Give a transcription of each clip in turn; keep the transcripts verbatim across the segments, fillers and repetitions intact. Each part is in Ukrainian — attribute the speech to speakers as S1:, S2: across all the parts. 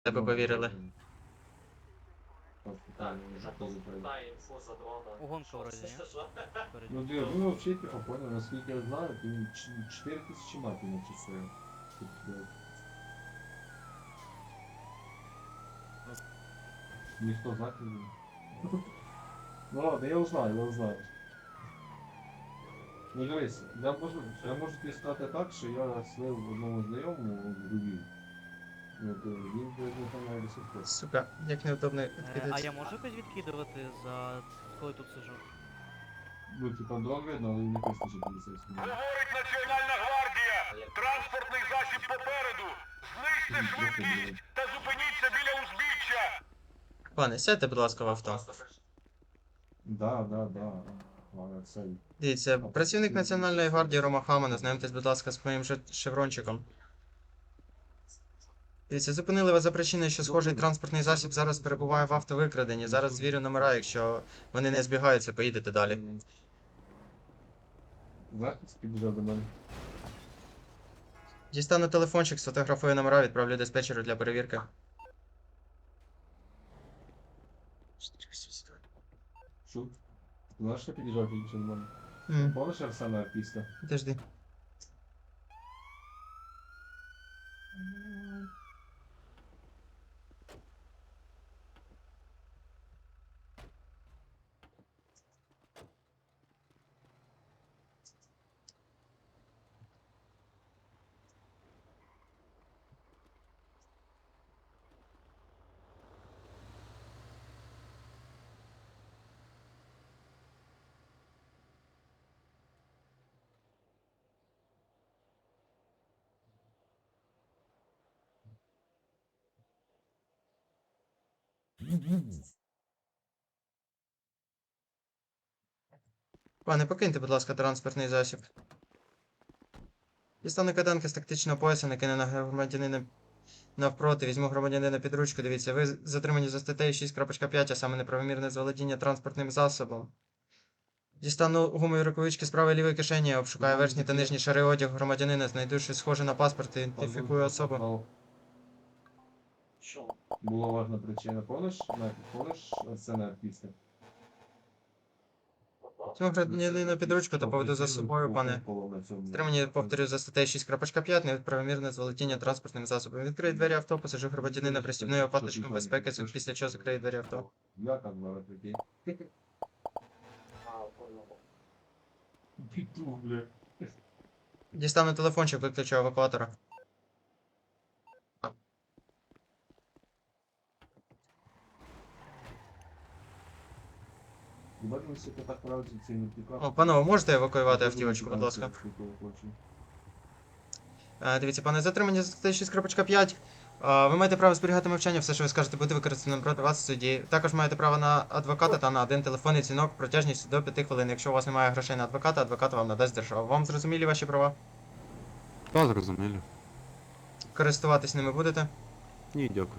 S1: Тебе повірили.
S2: Угонка вроде, не? Вроде.
S3: Ну, две, ну вообще тихо, понял, насколько я знаю, ты четыре тысячи матей начислил. Ніхто знати не буде. Ну ладно, я узнаю, я узнаю. Ну дивись, я можу, я можу тобі сказати так, що я слив одному знайомому в Львів. Ну, то він не знає до сих пор.
S1: Сука, як неудобно
S2: Е, а
S1: відкидати.
S2: я можу якось відкидувати за коли тут сижу?
S3: Ну, типа, дрон видно, але не пише, що поліцейський.
S4: Говорить Національна гвардія! Транспортний засіб попереду! Знизьте швидкість та зупиніться біля узбіччя!
S1: Пане, сядьте, будь ласка, в авто.
S3: Да, да, да. Ладно, це...
S1: Дивіться, працівник Національної гвардії Рома Хаман, ознайомтесь, будь ласка, з моїм же- шеврончиком. Дивіться, зупинили вас за причиною, що схожий транспортний засіб зараз перебуває в автовикраденні. Зараз звірю номера, якщо вони не збігаються, поїдете далі.
S3: Захист підійшов до мене.
S1: Дістану телефончик, сфотографую номера, відправлю диспетчеру для перевірки.
S3: Шут. Знаєш, що підійшов підійшов до мене?
S1: М,
S3: Помниш Арсена Артиста?
S1: Подожди. Пане, покиньте, будь ласка, транспортний засіб. Дістану кайданки з тактичного пояса, накину на громадянина навпроти, візьму громадянина під ручку. Дивіться, ви затримані за статтею шість крапка п'ять, а саме неправомірне заволодіння транспортним засобом. Дістану гумові рукавички з правої лівої кишені, обшукаю верхні та нижні шари одягу громадянина, знайду щось схоже на паспорт і ідентифікую особу.
S3: Що? Була важна причина. Помниш, на- помниш Арсена Артиста?
S1: Візьму громадянина під ручку та поведу за собою, пане. Стримані, повторюю, за статтею шість крапка п'ять, неправомірне заволодіння транспортним засобом. Відкрию двері авто, посажу громадянина пристібною паточком безпеки, після чого закрию двері авто.
S3: Я так зараз такий. Піту, бля.
S1: Дістану телефончик, виключу евакуатора.
S3: Ебать, ми сука так правильно ці не тікав.
S1: О, панове, можете евакуювати автівочку, будь ласка? Е, Дивіться, пане, затримані за статтею шість крапка п'ять. Е, Ви маєте право зберігати мовчання, все, що ви скажете, буде використано проти вас в суді. Також маєте право на адвоката та на один телефонний дзвінок протяжністю до п'яти хвилин. Якщо у вас немає грошей на адвоката, адвокат вам надасть держава. Вам зрозумілі ваші права?
S5: Та зрозуміло.
S1: Користуватись ними будете?
S5: Ні, дякую.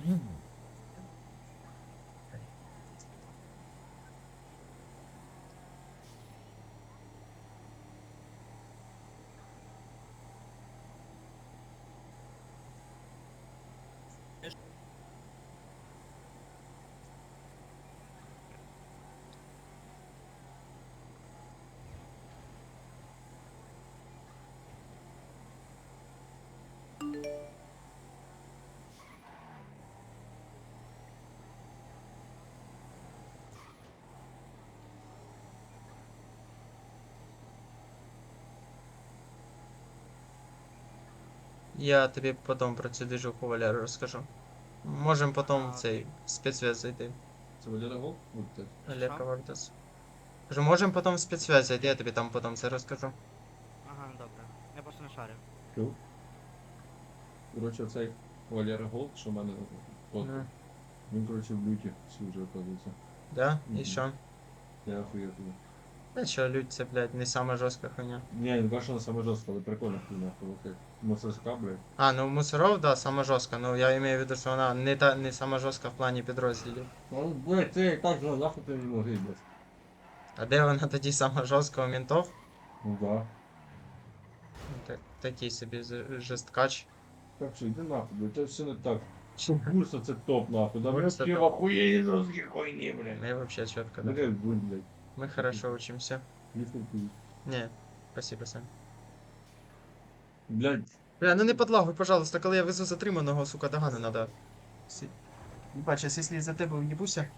S1: Я тобі потім про цю движуху Валеру розкажу. Можемо потім в
S2: А.
S1: цей спецсвязь зайти.
S3: Це Валера Гол? Будьте.
S1: Олег Вардас. Кажу, можемо потім в спецсвязь зайти, я тобі там потім це розкажу.
S2: Ага, добре. Я просто не шарю.
S3: Чув? Коротше, цей Валера Гол, що в мене фото.
S1: Ну,
S3: Він, коротше, в люті всі вже оказується.
S1: да? І
S3: Мгм.
S1: що?
S3: Я охуєв туди.
S1: Та що, людь, це, блядь, не сама жорстка хуйня.
S3: Ні, не кажу, що вона саме жорстка, але прикольна хуйня. Коли мусорська, блядь.
S1: А, ну мусоров, да, сама жорстка. Ну я имею в виду, що вона не та не сама жорстка в плані підрозділів.
S3: Ну, блядь, ти і так же нахуй ти не могли, блядь.
S1: А де вона тоді сама жорстка у ментов?
S3: Ну да.
S1: Ну, Так, такий собі з- жесткач.
S3: Так що, йди нахуй, блядь, це все не так. Бурса це топ, нахуй. Да ми
S1: Бурса
S3: вообще в
S1: топ.
S3: охуєнні жорсткі хуйні, блядь.
S1: Мы вообще четко, да.
S3: Блядь, будь, блядь.
S1: Мы хорошо учимся.
S3: Если ты-
S1: Не, спасибо, Сань.
S3: Блядь,
S1: Бля, ну не подлагуй, пожалуйста, коли я везу затриманого, сука, догани надо. Сі- Ебать, сейчас если из-за тебе уебуся.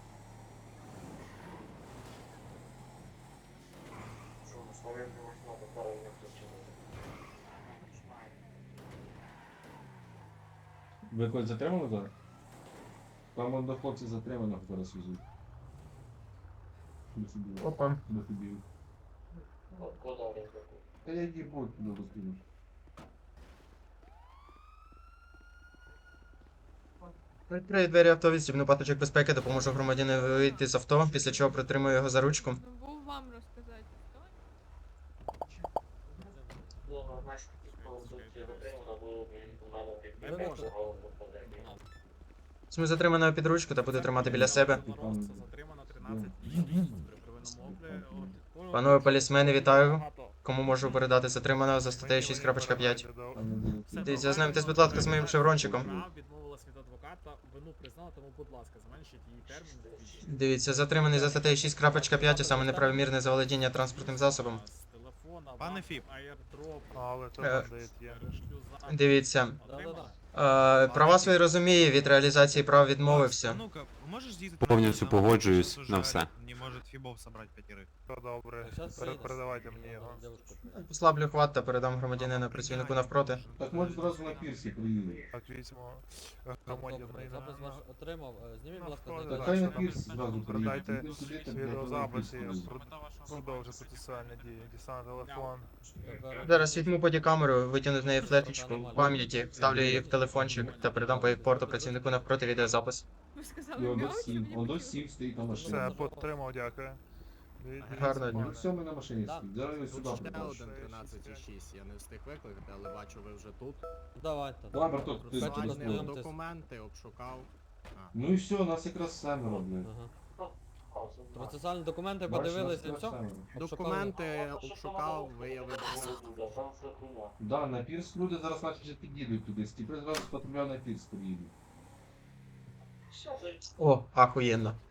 S3: ви когось затримали зараз? Там он до хлопців затриманих зараз везуть. До собі.
S1: Опа.
S3: До тобі. Та я їбу туди розкину.
S1: Відкрию двері авто, відстібну паточок безпеки, допоможу громадянину вийти з авто, після чого притримую його за ручку.
S6: Ну, був вам розказати.
S1: Візьму затриманого під ручку та буду тримати біля себе.
S7: Затримано тринадцять днів при первинному огляді.
S1: Панове полісмени, вітаю. Кому можу передати затриманого за статтею шість крапка п'ять? Дивіться, ознайомтесь, будь ласка, з моїм шеврончиком.
S7: Відмовилась від адвоката, вину признала, тому, будь ласка, зменшіть її термін.
S1: Дивіться, затриманий за статтею шість крапка п'ять, а саме неправомірне заволодіння транспортним засобом.
S7: З телефона,
S8: Пане Фіп.
S7: аірдроп,
S8: Але то
S1: Е,
S8: бандит є.
S7: шлюза.
S1: Дивіться,
S7: Отримав?
S1: е, права свої розуміє, від реалізації прав відмовився.
S8: Ну-ка, можеш з'їздити?
S5: Повністю
S8: на мене?
S5: погоджуюсь
S8: Нас
S5: на
S8: уже
S5: все.
S8: Не може Фібов собрати п'ятірих.
S9: Все добре. Пере- Передавайте мені його.
S1: Послаблю хват та передам громадянина працівнику навпроти.
S3: Так може зразу на пірсі приїду.
S9: Так, візьмо громадянина.
S10: Запис ваш отримав. Е, Зніміть, будь ласка,
S9: Ну,
S10: знайдіть.
S3: Так хай на пірсі зразу приїду.
S9: Дайте
S3: Іди сюди, так, блядь,
S9: відеозапис
S3: на
S9: і
S3: пірсі
S9: про- продовжити процесуальні дії. Дістану телефон.
S10: Тепер-
S1: Зараз візьму бодікамеру, витягну з неї флешечку пам'яті, вставлю її в телефончик та передам по порту працівнику навпроти відеозапис.
S6: Ви
S3: І
S6: сказали
S3: он до
S6: м'яу, чи
S3: сім,
S6: мені
S3: он до
S6: потрібно?
S3: сім стоїть на машині.
S9: Все, потримав, дякую. Дивіться,
S1: Гарного дня.
S3: Ну все, ми на машині
S10: Да.
S3: стоїть. Зараз я сюди
S11: Ще
S3: прибуду.
S11: один тринадцять і шість, я не встиг викликати, але бачу, ви вже тут.
S10: Давайте.
S3: Давай, браток, ти
S10: Процесуальні
S3: через
S11: Бачите,
S3: слово.
S11: документи обшукав.
S3: Ну і все, нас якраз семеро, блядь.
S10: Ага. Процесуальні документи
S3: Бачиш, нас
S10: подивилися і
S3: якраз
S10: все.
S3: семеро.
S11: Документи обшукав, виявив.
S3: Да, на пірс люди зараз наче вже під'їдуть туди. Стіпри зразу з патруля на пірс приїдуть.
S1: О, ахуєнно.